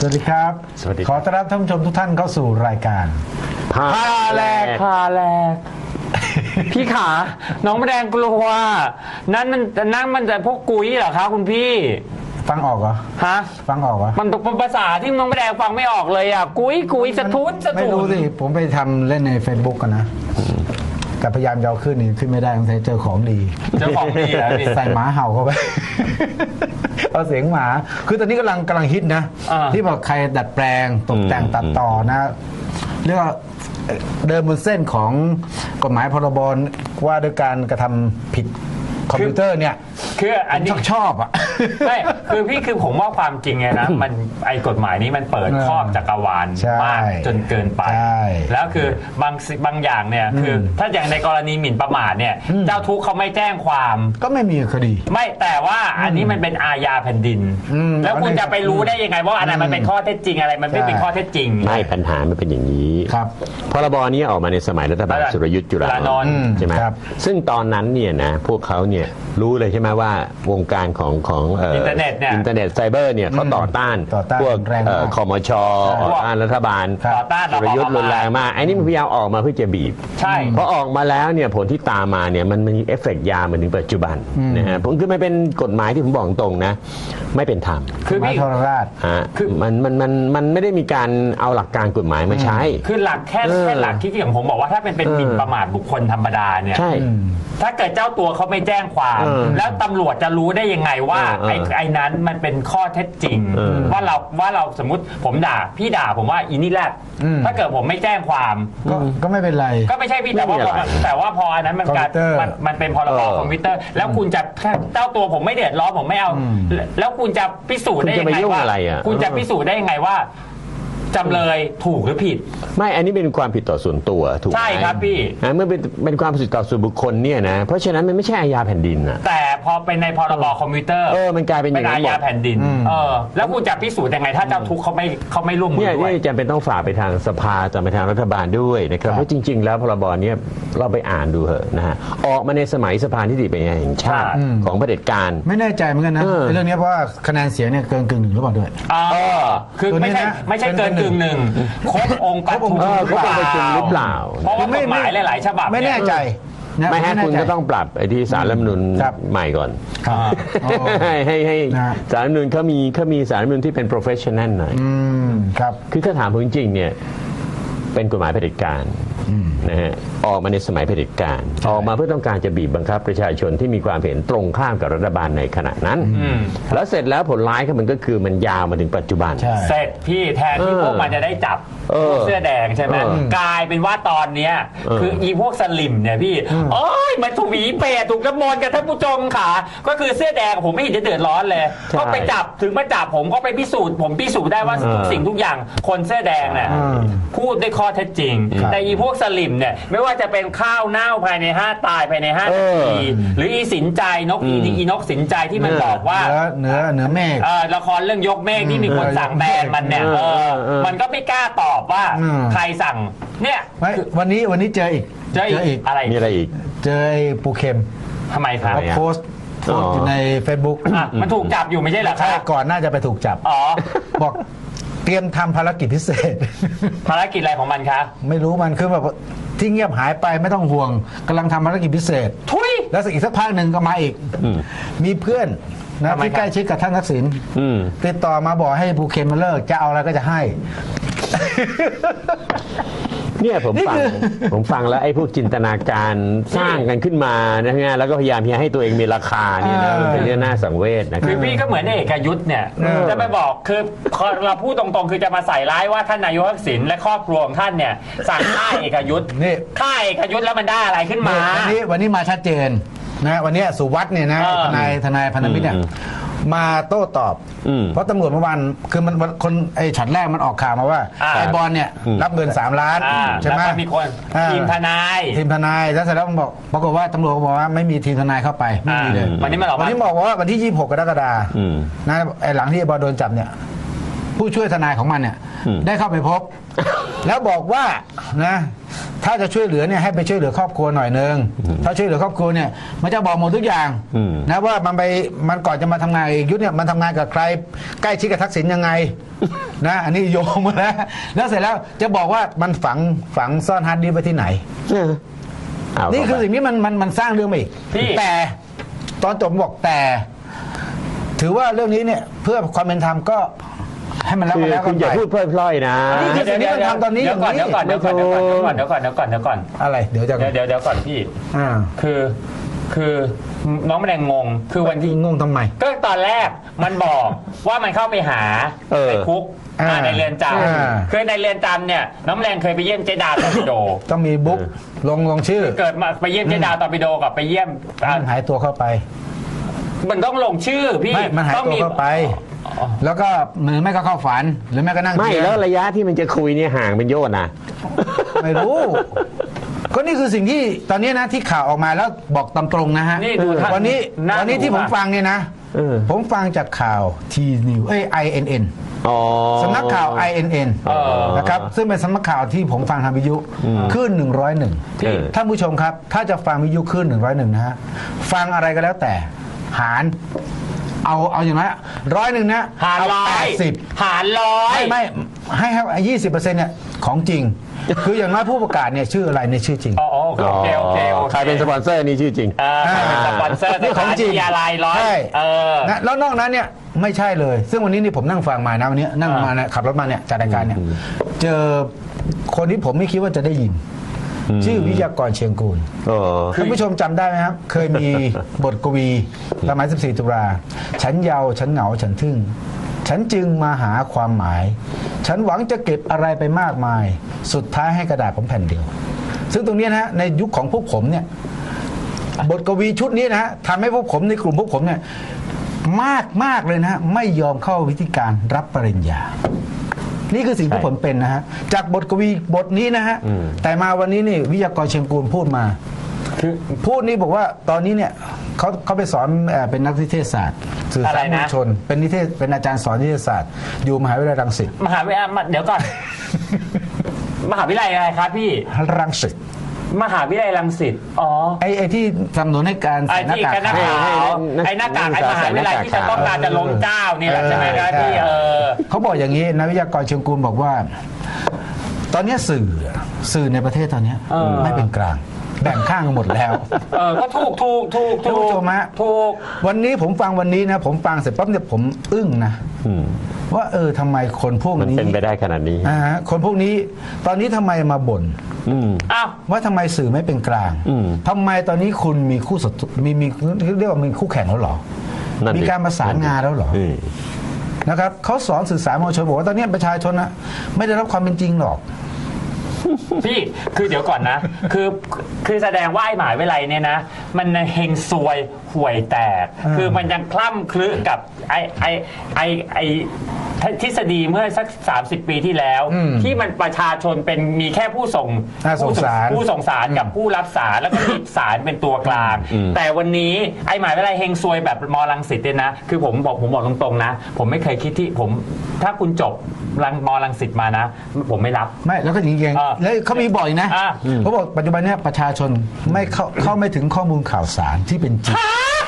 วัสดีครับสวัสดีขอต้อนรับท่านผู้ชมทุกท่านเข้าสู่รายการพาแลกพาแลกพี่ขาน้องแมลงกลัวนั่นมันจะพวกกุ้ยเหรอคะคุณพี่ฟังออกเหรอฮะฟังออกเหรอมันเป็นภาษาที่น้องแมลงฟังไม่ออกเลยอ่ะกุ้ยสะทุนไม่รู้สิผมไปทำเล่นใน Facebook กันนะแต่พยายามจะเอาขึ้นนี่ขึ้นไม่ได้ต้องใช้เจอของดีเจ้าของดีเหรอพี่ใส่หมาเห่าเข้าไป เอาเสียงหมา คือตอนนี้กำลังฮิตนะ ที่บอกใครดัดแปลงตกแต่งตัดต่อนะเรียกว่าเดินบนเส้นของกฎหมายพรบว่าด้วยการกระทำผิดคอมพิวเตอร์เนี่ยคืออันนี้ชอบอ่ะไม่คือพี่คือผมว่าความจริงไงนะ มันไอ้กฎหมายนี้มันเปิดครอบจักรวาลใช่มากจนเกินไปใช่แล้วคือบางอย่างเนี่ยคือถ้าอย่างในกรณีหมิ่นประมาทเนี่ยเจ้าทุกข์เขาไม่แจ้งความก็ไม่มีคดีไม่แต่ว่าอันนี้มันเป็นอาญาแผ่นดิน แล้วคุณจะไปรู้ได้ยังไงว่าอะไรมันเป็นข้อเท็จจริงอะไรมันไม่เป็นข้อเท็จจริงไม่ปัญหามันเป็นอย่างนี้ครับพรบนี้ออกมาในสมัยรัฐบาลสุรยุทธ์จุลานนท์ใช่ไหมครับซึ่งตอนนั้นเนี่ยนะพวกเขาเนี่ยรู้เลยใช่ไหมว่าวงการของอินเทอร์เน็ตเนี่ยอินเทอร์เน็ตไซเบอร์เนี่ยเขาต่อต้าน พวกแรงมากคมชต่อต้านรัฐบาลต่อต้านสุรยุทธ์รุนแรงมากไอ้นี่มันพยายามออกมาเพื่อจะบีบใช่พอออกมาแล้วเนี่ยผลที่ตามมาเนี่ยมันมีเอฟเฟกต์ยาวมาถึงปัจจุบันนะฮะผมคือมันเป็นกฎหมายที่ผมบอกตรงนะไม่เป็นธรรมคือหมายพี่โทรราชฮะมันไม่ได้มีการเอาหลักการกฎหมายมาใช้คือหลักแค่หลักที่อย่างผมบอกว่าถ้าเป็นหมิ่นประมาทบุคคลธรรมดาเนี่ยใช่ถ้าเกิดเจ้าตัวเขาไม่แจ้งความ แล้วตำรวจจะรู้ได้ยังไงว่า ไอ้นั้นมันเป็นข้อเท็จจริง ว่าเราสมมติผมด่าพี่ด่าผมว่าอีนี่แรกถ้าเกิดผมไม่แจ้งความก็ไม่เป็นไรก็ไม่ใช่พี่แต่ว่าพออันนั้นมันการคอมพิวเตอร์มันเป็นพรบคอมพิวเตอร์ แล้วคุณจะเจ้าตัวผมไม่เดือดร้อนผมไม่เอา แล้วคุณจะพิสูจน์ได้ยังไงว่าคุณจะพิสูจน์ได้ยังไงว่าจำเลยถูกหรือผิดไม่อันนี้เป็นความผิดต่อส่วนตัวถูกไหมใช่ครับพี่เมื่อเป็นความผิดต่อส่วนบุคคลเนี่ยนะเพราะฉะนั้นมันไม่ใช่อาญาแผ่นดินนะแต่พอเป็นในพรบคอมพิวเตอร์มันกลายเป็นอย่างนั้นอาญาแผ่นดินแล้วคุณจะพิสูจน์ยังไงถ้าเจ้าทุกข์เขาไม่ร่วมมือเนี่ยด้วยจำเป็นต้องฝากไปทางสภาจะไปทางรัฐบาลด้วยนะครับเพราะจริง ๆ แล้วพรบเนี้เราไปอ่านดูเหอะนะฮะออกมาในสมัยสภานิติบัญญัติแห่งชาติของเผด็จการไม่แน่ใจเหมือนกันนะ เรื่องนี้เพราะว่าคะแนนเสียงเนี่ยเกินกึ่งหนึ่งหรือเปล่าด้วยคือตัวนี้ไม่ใช่นะเกินกึ่งหนึ่งครบองค์ประชุมครบองค์ประชุมหรือเปล่าเพราะว่ากฎหมายหลายๆฉบับไม่แน่ใจนะไม่ให้คุณแน่ใจก็ต้องปรับไอ้ที่สารรัฐธรรมนูญครับใหม่ก่อนครับให้นะสารรัฐธรรมนูญเขามีสารรัฐธรรมนูญที่เป็น professional หน่อยครับคือถ้าถามผมจริงๆเนี่ยเป็นกฎหมายเผด็จการนะฮะออกมาในสมัยเผด็จการออกมาเพื่อต้องการจะบีบบังคับประชาชนที่มีความเห็นตรงข้ามกับรัฐบาลในขณะนั้นแล้วเสร็จแล้วผลร้ายก็มันก็คือมันยาวมาถึงปัจจุบันใช่เสร็จพี่แทนที่พวกมันจะได้จับพวกเสื้อแดงใช่ไหมกลายเป็นว่าตอนเนี้ยคืออีพวกสลิมเนี่ยพี่โอ้ยมันถูกหวีเปรตถูกน้ำมนต์กันท่านผู้ชมค่ะก็คือเสื้อแดงผมไม่เห็นจะเดือดร้อนเลยใช่ก็ไปจับถึงมาจับผมก็ไปพิสูจน์ผมพิสูจน์ได้ว่าทุกสิ่งทุกอย่างคนเสื้อแดงเนี่ยพูดด้วยข้อเท็จจริง แต่อีพวกสลิมเนี่ยไม่ว่าจะเป็นข้าวเน่าภายใน5ตายภายใน5นาทีหรืออีสินใจนกอีนกสินใจที่มันบอกว่าเนื้อเมฆละครเรื่องยกเมฆที่มีคนสั่งแบนมันเนี่ยมันก็ไม่กล้าตอบว่าใครสั่งเนี่ยไม่วันนี้เจออีกเจออีกอะไรมีอะไรอีกเจอไอ้ปูเข็มทำไมครับเขาโพสต์อยู่ใน Facebook มันถูกจับอยู่ไม่ใช่เหรอคใช่รับก่อนน่าจะไปถูกจับอ๋อบอกเตรียมทำภารกิจพิเศษภารกิจอะไรของมันคะไม่รู้มันคือแบบที่เงียบหายไปไม่ต้องห่วงกำลังทำภารกิจพิเศษทุยแล้วอีกสักพักหนึ่งก็มาอีก มีเพื่อนนะทำไมที่ใกล้ชิดกับท่านทักษิณติดต่อมาบอกให้ภูเก็ตมาเลิกจะเอาอะไรก็จะให้เนี่ยผมฟังแล้วไอ้พวกจินตนาการสร้างกันขึ้นมานะฮะแล้วก็พยายามให้ตัวเองมีราคาเนี่ยนะมันเป็นเรื่องน่าสังเวชนะคคืรัอบ พี่ก็เหมือนเอกยุทธ์เนี่ยจะไปบอกคือเราพูดตรงๆคือจะมาใส่ร้ายว่าท่านนายกทักษิณและครอบครัวของท่านเนี่ยสั่งฆ่าเอกยุทธ์นี่ฆ่าเอกยุทธ์แล้วมันได้อะไรขึ้นมาวันนี้มาชัดเจนนะวันนี้สุวัสด์เนี่ยนะทนายพันธมิตรเนี่ยมาโต้ตอบ เพราะตำรวจเมื่อวานคือมันคนไอ้ช็อตแรกมันออกข่าวมาว่าไอ้บอลเนี่ยรับเงิน3 ล้านใช่ไหมแล้วก็มีคนทีมทนายแล้วเสร็จแล้วมันบอกปรากฏว่าตำรวจบอกว่าไม่มีทีมทนายเข้าไปไม่มีเลยวันนี้มันบอกวันนี้บอกว่าวันที่26 กรกฎาคมนะไอ้หลังที่ไอ้บอลโดนจับเนี่ยผู้ช่วยทนายของมันเนี่ยได้เข้าไปพบ แล้วบอกว่านะถ้าจะช่วยเหลือเนี่ยให้ไปช่วยเหลือครอบครัวหน่อยนึงถ้าช่วยเหลือครอบครัวเนี่ยมันจะบอกหมดทุกอย่างนะว่ามันก่อนจะมาทำงานเอกยุทธเนี่ยมันทำงานกับใครใกล้ชิดกับทักษิณยังไงนะอันนี้โยงมาแล้วเสร็จแล้วจะบอกว่ามันฝังซ่อนฮาร์ดดิสก์ไว้ที่ไหนนี่คือสิ่งที่มันสร้างเรื่องมาอีกแต่ตอนจบบอกแต่ถือว่าเรื่องนี้เนี่ยเพื่อความเป็นธรรมก็ให้มันแล้วกันแล้วคุกัณนอย่าไปพูดพล่อยๆนะนี่คือสิ่งที่มันทำตอนนี้เดี๋ยวก่อนเดี๋ยวก่อนเดี๋ยวก่อนเดี๋ยวก่อนเดี๋ยวก่อนเดี๋ยวก่อนเดี๋ยวก่อนอะไรเดี๋ยวก่อนพี่คือน้องแมลงงงคือวันที่งงทำไมก็ตอนแรกมันบอกว่ามันเข้าไปหาในคุกในเรือนจำคือในเรือนจำเนี่ยน้องแมลงเคยไปเยี่ยมเจดาตอร์ปิโดต้องมีบุ๊กลงชื่อเกิดมาไปเยี่ยมเจดาตอร์ปิโดกับไปเยี่ยมหายตัวเข้าไปมันต้องลงชื่อพี่มันหายตัวเข้าไปแล้วก็มือแม่ก็เข้าฝันหรือแม่ก็นั่งไม่แล้วระยะที่มันจะคุยเนี่ยห่างเป็นโยชน์นะไม่รู้ก็นี่คือสิ่งที่ตอนนี้นะที่ข่าวออกมาแล้วบอกตามตรงนะฮะวันนี้ที่ผมฟังเนี่ยนะผมฟังจากข่าวทีนิวINN สำนักข่าว INN นะครับซึ่งเป็นสำนักข่าวที่ผมฟังทางวิทยุคลื่น101ท่านผู้ชมครับถ้าจะฟังวิทยุคลื่น101นะฮะฟังอะไรก็แล้วแต่หารเอาอย่างไร100นะหาร100หาร100 ไม่ให้20%เนี่ยของจริงคืออย่างน้อยผู้ประกาศเนี่ยชื่ออะไรในชื่อจริงโอเคใครเป็นสปอนเซอร์นี่ชื่อจริงใครเป็นสปอนเซอร์ของจริงอะไร100 แล้วนอกนั้นเนี่ยไม่ใช่เลยซึ่งวันนี้นี่ผมนั่งฟังมานะวันนี้นั่งมาขับรถมาเนี่ยจัดรายการเนี่ยเจอคนที่ผมไม่คิดว่าจะได้ยินชื่อวิทยากรเชียงกูลคุณผู้ชมจำได้ไหมครับเคยมีบทกวีสมัย14 ตุลาฉันเยาว์ฉันเหงาฉันทึ่งฉันจึงมาหาความหมายฉันหวังจะเก็บอะไรไปมากมายสุดท้ายให้กระดาษผมแผ่นเดียวซึ่งตรงนี้นะในยุคของพวกผมเนี่ยบทกวีชุดนี้นะฮะทำให้พวกผมในกลุ่มพวกผมเนี่ยมากเลยนะไม่ยอมเข้าวิธีการรับปริญญานี่คือสิ่งที่ผมเป็นนะฮะจากบทกวีบทนี้นะฮะแต่มาวันนี้นี่วิทยากรเชียงกูลพูดมาพูดนี่บอกว่าตอนนี้เนี่ยเขาไปสอนเป็นนักนิเทศศาสตร์สื่อสารมวลชนเป็นอาจารย์สอนนิเทศศาสตร์อยู่มหาวิทยาลัยรังสิตมหาวิทยาลัยเดี๋ยวก่อนมหาวิทยาลัยอะไรครับพี่รังสิตมหาวิทยาลัยรังสิตไอ้ที่สนับสนุนให้การใส่หน้ากากไอ้หน้ากากไอ้มหาวิทยาลัยที่จะต้องการจะล้มเจ้านี่แหละใช่ไหมครับพี่เขาบอกอย่างนี้นักวิทยากรเชียงกูลบอกว่าตอนนี้สื่อในประเทศตอนนี้ไม่เป็นกลางแบ่งข้างกันหมดแล้วก็ถูกถูกวันนี้ผมฟังวันนี้นะผมฟังเสร็จปั๊บเนี่ยผมอึ้งนะว่าทำไมคนพวกนี้มันเป็นไปได้ขนาดนี้คนพวกนี้ตอนนี้ทำไมมาบ่นว่าทำไมสื่อไม่เป็นกลางทำไมตอนนี้คุณมีคู่ศัตรูมีเรียกว่ามีคู่แข่งแล้วหรอมีการประสานงานแล้วหรอนะครับเขาสอนสื่อสารมวลชนบอกว่าตอนนี้ประชาชนนะไม่ได้รับความเป็นจริงหรอกพี่คือเดี๋ยวก่อนนะคือแสดงว่าไอ้หมหาวิทยาลัยเนี่ยนะมันเฮงซวยห่วยแตกคือมันยังคล่ำคลึกับไอทฤษฎีเมื่อสัก30 ปีที่แล้วที่มันประชาชนเป็นมีแค่ผู้ส่งสารกับผู้รับสารแล้วก็มีสารเป็นตัวกลางแต่วันนี้ไอ้หมหาวิทยาลัยเฮงซวยแบบมรังสิตเนี่ยนะคือผมบอกตรงๆนะผมไม่เคยคิดที่ผมถ้าคุณจบมรังสิตมานะผมไม่รับไม่แล้วก็จริงๆแล้วเขามีบ่อยนะเขาบอกปัจจุบันนี้ประชาชนไม่เข้าไม่ถึงข้อมูลข่าวสารที่เป็นจริง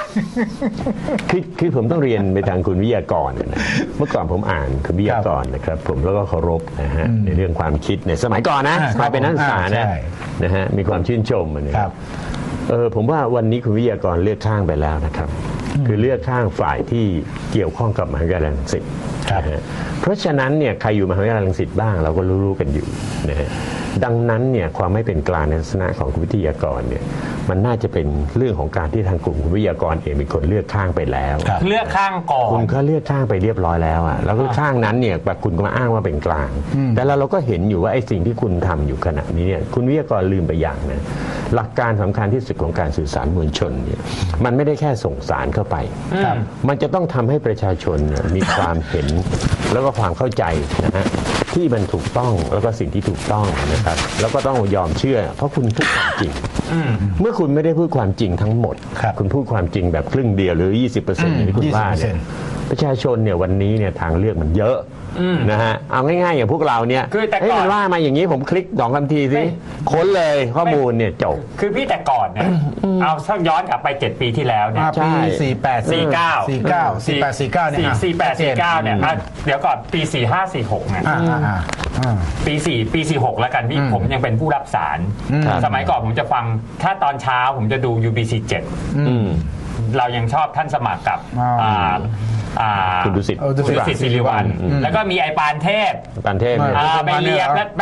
คือผมต้องเรียนไปทางคุณวิทยากรนะเมื่อก่อนผมอ่านคุณวิทยากรนะครับผมแล้วก็เคารพนะฮะในเรื่องความคิดในสมัยก่อนนะสมัยเป็นนักศึกษานะฮะมีความชื่นชมนะครับผมว่าวันนี้คุณวิทยากรเลือกข้างไปแล้วนะครับคือเลือกข้างฝ่ายที่เกี่ยวข้องกับมหาวิทยาลัยรังสิตเพราะฉะนั้นเนี่ยใครอยู่มหาวิทยาลัยรังสิตบ้างเราก็รู้กันอยู่นะฮะดังนั้นเนี่ยความไม่เป็นกลางในลักษณะของคุณวิทยากรเนี่ยมันน่าจะเป็นเรื่องของการที่ทางกลุ่มคุณวิทยากรเองเป็นคนเลือกข้างไปแล้วเลือกข้างก่อนคุณก็เลือกข้างไปเรียบร้อยแล้วอ่ะแล้วก็ข้างนั้นเนี่ยแบบคุณก็มาอ้างว่าเป็นกลางแต่เราก็เห็นอยู่ว่าไอ้สิ่งที่คุณทำอยู่ขณะนี้เนี่ยคุณวิทยากรลืมไปอย่างนะหลักการสำคัญที่สุดของการสื่อสารมวลชนเนี่ยมันไม่ได้แค่ส่งสารเข้าไปมันจะต้องทำให้ประชาชนมีความเห็นแล้วก็ความเข้าใจนะฮะที่มันถูกต้องแล้วก็สิ่งที่ถูกต้องนะครับแล้วก็ต้องยอมเชื่อเพราะคุณพูดความจริงเมื่อคุณไม่ได้พูดความจริงทั้งหมดครับคุณพูดความจริงแบบครึ่งเดียวหรือ 20%อย่างที่คุณว่าเนี่ย 20% ประชาชนเนี่ยวันนี้เนี่ยทางเลือกมันเยอะนะฮะเอาง่ายๆอย่างพวกเราเนี่ยคือแต่ก่อนเฮ้ยมันว่ามาอย่างนี้ผมคลิก2 คำทีสิค้นเลยข้อมูลเนี่ยจบคือพี่แต่ก่อนเนี่ยเอาสักย้อนกลับไป 7 ปีที่แล้วเนี่ยปีใช่ 48 49 48 49เนี่ย 48 49เนี่ยเดี๋ยวก่อนปี 45 46เนี่ย ปี 46 แล้วกันพี่ผมยังเป็นผู้รับสารครับสมัยก่อนผมจะฟังถ้าตอนเช้าผมจะดู UBC อืม 7เรายังชอบท่านสมัครกับคุณดุสิตดุสิตศิริวัลย์แล้วก็มีไอปานเทพปานเทพเนี่ยไปเรียแป๊บ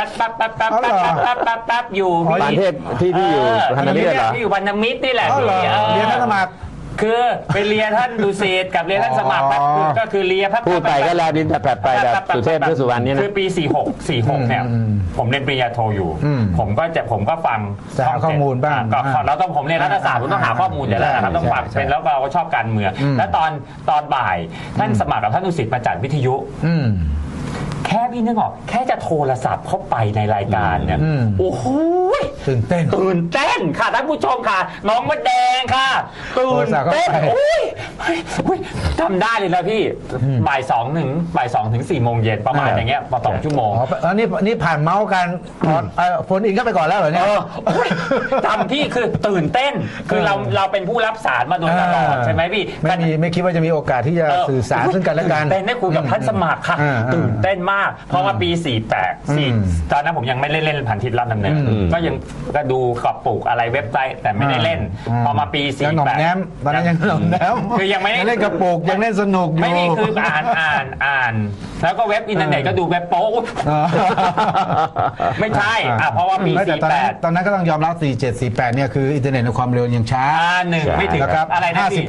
อยู่ปานเทพที่อยู่พันธมิตรเหรอที่อยู่พันธมิตรนี่แหละอ๋อเหรอเรียนท่านสมัครคือไปเรียนท่านดุสิตกับเรียนท่านสมัครก็คือเรียนพูดไปก็แล้วดินแต่แผดไปแบบสุเทพเทือกสุวรรณเนี่ยนะคือปี 46 เนี่ยผมเรียนปริญญาโทอยู่ผมก็ฟังจะหาข้อมูลบ้างก็เราต้องผมเรียนรัฐศาสตร์ผมต้องหาข้อมูลอยู่แล้วนะครับต้องฟังเป็นแล้วเราก็ชอบการเมืองแล้วตอนบ่ายท่านสมัครกับท่านดุสิตมาจัดวิทยุแค่พี่นึกออกแค่จะโทรศัพท์เข้าไปในรายการเนี่ยโอ้โหตื่นเต้นค่ะท่านผู้ชมค่ะน้องมดแดงค่ะตื่นเต้นโอ้ยทำได้เลยนะพี่บ่าย2 ถึง 4 โมงเย็นประมาณอย่างเงี้ยประมาณ2 ชั่วโมงอ๋อแล้วนี่ผ่านเมาส์กันโฟนอินเข้าไปก่อนแล้วเหรอเนี่ยจำพี่คือตื่นเต้นคือเราเป็นผู้รับสารมาโดยตลอดใช่ไหมพี่ไม่คิดว่าจะมีโอกาสที่จะสื่อสารซึ่งกันและกันตื่นเต้นได้คุยกับท่านสมัครค่ะตื่นเต้นมากเพราะว่าปี 48 ตอนนั้นผมยังไม่เล่นพันทิศรับดำเนินก็ยังก็ดูกระปุกอะไรเว็บไซต์แต่ไม่ได้เล่นพอมาปียังหน่อมแนมตอนนั้นยังหน่อมแนมคือยังไม่ได้เล่นกระปุกยังเล่นสนุกอยู่ไม่มีคืออ่านแล้วก็เว็บอินเทอร์เน็ตก็ดูเว็บโป๊ไม่ใช่เพราะว่าปีตอนนั้นก็ต้องยอมรับ47 48เนี่ยคืออินเทอร์เน็ตในความเร็วยังช้าไม่ถึงนะครับอะไรนะพี่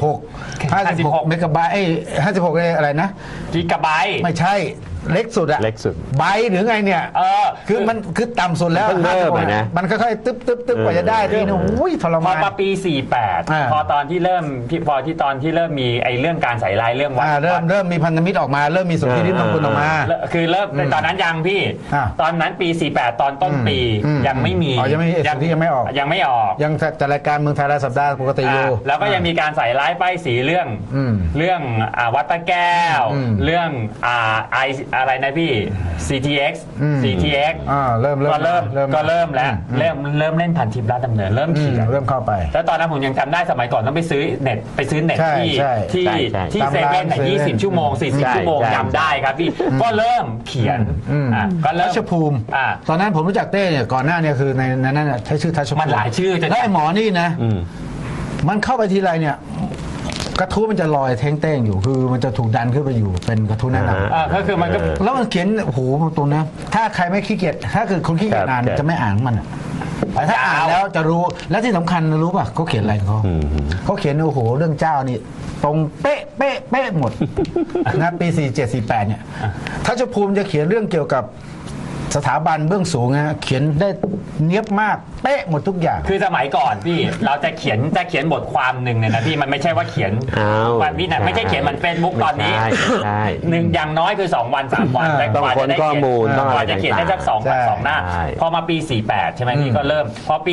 56เมกะไบต์56เนี่ยอะไรนะกิกะไบต์ไม่ใช่เล็กสุดอะเล็กสุดไบต์หรือไงเนี่ยคือมันคือต่ำสุดแล้วเพิ่งเริ่มนะมันค่อยๆตึ๊บกว่าจะได้ทีนึงอุ้ยทรพอมานมาปี 48 พอตอนที่เริ่มตอนที่เริ่มมีไอ้เรื่องการใส่ลายเรื่องวัดเริ่มมีพันธมิตรออกมาเริ่มมีสนธิริมงคลออกมาคือเริ่มตอนนั้นยังพี่ ตอนนั้นปี 48 ตอนต้นปียังไม่มียังไม่มีสนธิยังไม่ออกยังไม่ออกยังจัดรายการเมืองไทยรายสัปดาห์ปกติอยู่แล้วก็ยังมีการใส่ร้ายป้ายสีเรื่องวัดพระแก้วเรื่องอะไรนะพี่ CTX ก็เริ่มแล้วเริ่มเล่นผ่านทิพย์ราชดำเนินเริ่มเขียนเริ่มเข้าไปแล้วตอนนั้นผมยังจำได้สมัยก่อนต้องไปซื้อเน็ตที่เซเว่น20 ชั่วโมง 40 ชั่วโมงจำได้ครับพี่ก็เริ่มเขียนก็เริ่มทัชภูมิตอนนั้นผมรู้จักเต้เนี่ยก่อนหน้าเนี่ยคือในนั้นใช้ชื่อทัชภูมิมันหลายชื่อจะแล้วไอ้หมอนี่นะมันเข้าไปทีไรเนี่ยกระทู้มันจะลอยเท้งเต้งอยู่คือมันจะถูกดันขึ้นไปอยู่เป็นกระทู้แนะนำก็คือมันก็แล้วมันเขียนโอ้โหตรงนะถ้าใครไม่ขี้เกียจถ้าคือคนขี้เกียจอ่านจะไม่อ่านมันแต่ถ้าอ่านแล้วจะรู้และที่สำคัญรู้ป่ะเขาเขียนอะไรเขาเขียนโอ้โหเรื่องเจ้านี่ตรงเป๊ะหมดนะปี47 48เนี่ยทัชภูมิจะเขียนเรื่องเกี่ยวกับสถาบันเบื้องสูงนะเขียนได้เนียบมากเป๊ะหมดทุกอย่างคือสมัยก่อนพี่เราจะเขียนบทความหนึ่งเนี่ยนะพี่มันไม่ใช่ว่าเขียนมันพี่นะไม่ใช่เขียนมันเฟซบุ๊กตอนนี้หนึ่งอย่างน้อยคือ2 วัน 3 วันแต่กว่าจะได้เขียนกว่าจะเขียนได้สัก2 หน้าพอมาปี48ใช่ไหมพี่ก็เริ่มพอปี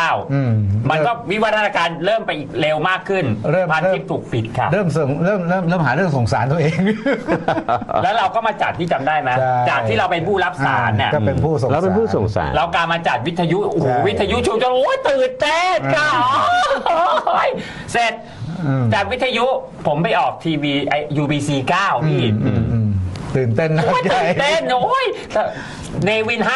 49มันก็วิวัฒนาการเริ่มไปอีกเร็วมากขึ้นพันทิปถูกปิดค่ะเริ่มหาเรื่องสงสารตัวเองแล้วเราก็มาจัดที่จำได้ไหมจากที่เราเป็นผู้รับสารเนี่ยก็เป็นผู้ส่งสารแล้วเป็นผู้ส่งสารเราการมาจัดวิทยุโอ้โหวิทยุชูจนโอ้ยตื่นเต้นค่ะเสร็จจากวิทยุผมไปออกทีวีUBC 9พี่ตื่นเต้นนะตื่นเต้นโอ้ยเนวิน